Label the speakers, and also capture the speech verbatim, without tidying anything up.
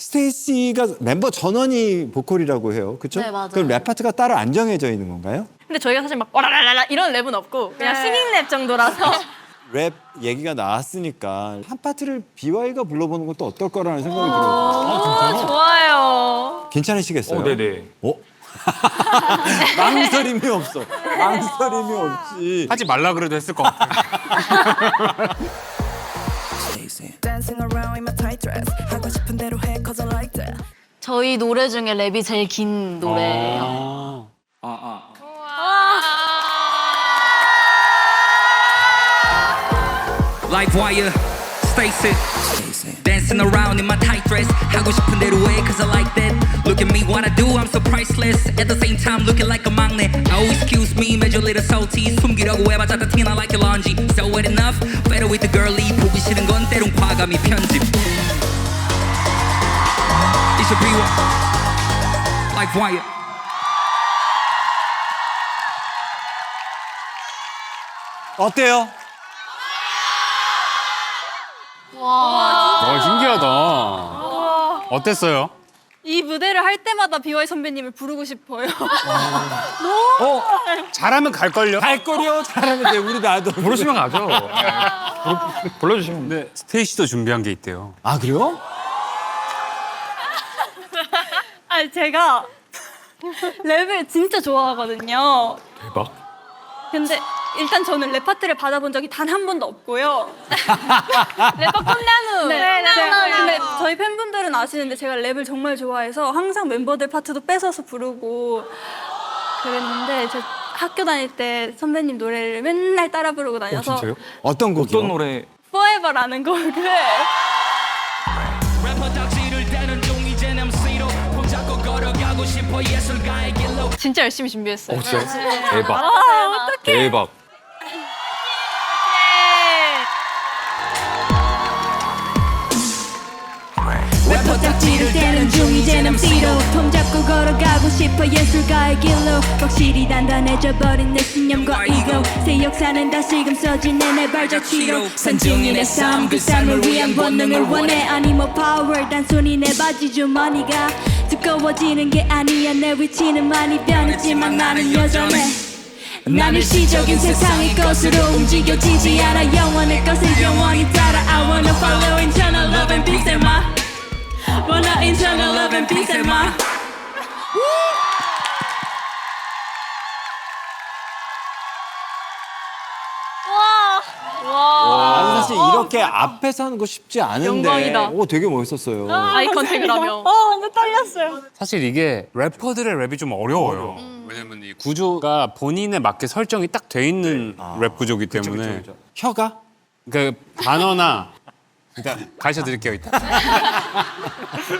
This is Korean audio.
Speaker 1: 스테이시가 멤버 전원이 보컬이라고 해요. 그렇죠?
Speaker 2: 네, 맞아요.
Speaker 1: 그럼 랩 파트가 따로 안 정해져 있는 건가요?
Speaker 3: 근데 저희가 사실 막 와라라라 이런 랩은 없고 그냥 싱잉 랩 정도라서
Speaker 1: 랩 얘기가 나왔으니까 한 파트를 비와이가 불러보는 것도 어떨 거라는 생각이 들어요.
Speaker 3: 어, 좋아요.
Speaker 1: 괜찮으시겠어요?
Speaker 4: 어, 네네.
Speaker 1: 어? 망설임이 없어. 망설임이 없지.
Speaker 4: 하지 말라 그래도 했을 것 같아요.
Speaker 5: Dancing around in my tight dress. 하고 싶은 대로 해, 'cause I like that.
Speaker 2: 저희 노래 중에 랩이 제일 긴 노래예요.
Speaker 6: Like wire, Stacy. Dancing around in my tight dress. 하고 싶은 대로 해, 'cause I like that. Look at me, what I do, I'm so priceless. At the same time, looking like a 막내. Oh, excuse me, major little salty. 숨기려고 해봤자 다 티나 like a laundry. So wet enough, better with the girly. 보기 싫은 건 때론 과감히 편집. It's a B-Wire. Like wire.
Speaker 1: 어때요?
Speaker 4: 어, 신기하다. 어땠어요?
Speaker 3: 이 무대를 할 때마다 비와이 선배님을 부르고 싶어요.
Speaker 4: 어, 잘하면 갈걸요?
Speaker 1: 갈 거려 잘하면 돼. 우리 나도.
Speaker 4: 부르시면 가죠. 네. 부르- 불러주시면. 네, 스테이시도 준비한 게 있대요.
Speaker 1: 아 그래요?
Speaker 3: 아니 제가 랩을 진짜 좋아하거든요.
Speaker 4: 대박.
Speaker 3: 근데 일단 저는 랩 파트를 받아본 적이 단 한 번도 없고요. 래퍼 콩나무. 네, 네, 네. 근데 저희 팬분들은 아시는데 제가 랩을 정말 좋아해서 항상 멤버들 파트도 뺏어서 부르고 그랬는데 저 학교 다닐 때 선배님 노래를 맨날 따라 부르고 다녀서
Speaker 4: 진짜요?
Speaker 1: 어떤 곡이요?
Speaker 4: 어떤 노래?
Speaker 3: Forever라는 곡을
Speaker 6: 래퍼 덕질을 대는 중 이젠 엠시로 손잡고 걸어가고 싶어 예술가의 길로.
Speaker 3: 진짜 열심히 준비했어요.
Speaker 4: 진짜 대박.
Speaker 3: 아, 어떡해.
Speaker 4: 대박.
Speaker 5: 래퍼 짝지를 떼는 중 이젠 엠시로 통 잡고 걸어가고 싶어 예술가의 길로 확실히 단단해져 버린 내 신념과 이고 새 역사는 다시금 써지네 내 발자취로 산중인의 삶 그 삶을 위한 본능을 원해 아니 뭐 파워 단순히 내 바지 주머니가 두꺼워지는 게 아니야 내 위치는 많이 변했지만 나는 여전해 난 일시적인 세상의 것으로 움직여지지 않아 영원의 것을 영원히 따라 I wanna follow internal love and peace and my wanna internal love and peace and my
Speaker 1: 나는 사실 이렇게 앞에서 하는 거 쉽지 않은데.
Speaker 3: 영광이다.
Speaker 1: 오 되게 멋있었어요.
Speaker 3: 아이 컨택을 하며. 어, 완전 떨렸어요.
Speaker 4: 사실 이게 래퍼들의 랩이 좀 어려워요. 왜냐면 이 구조가 본인에 맞게 설정이 딱 돼 있는 랩 구조기 때문에
Speaker 1: 혀가?
Speaker 4: 그 단어나 일단 가르쳐 드릴게요 이따.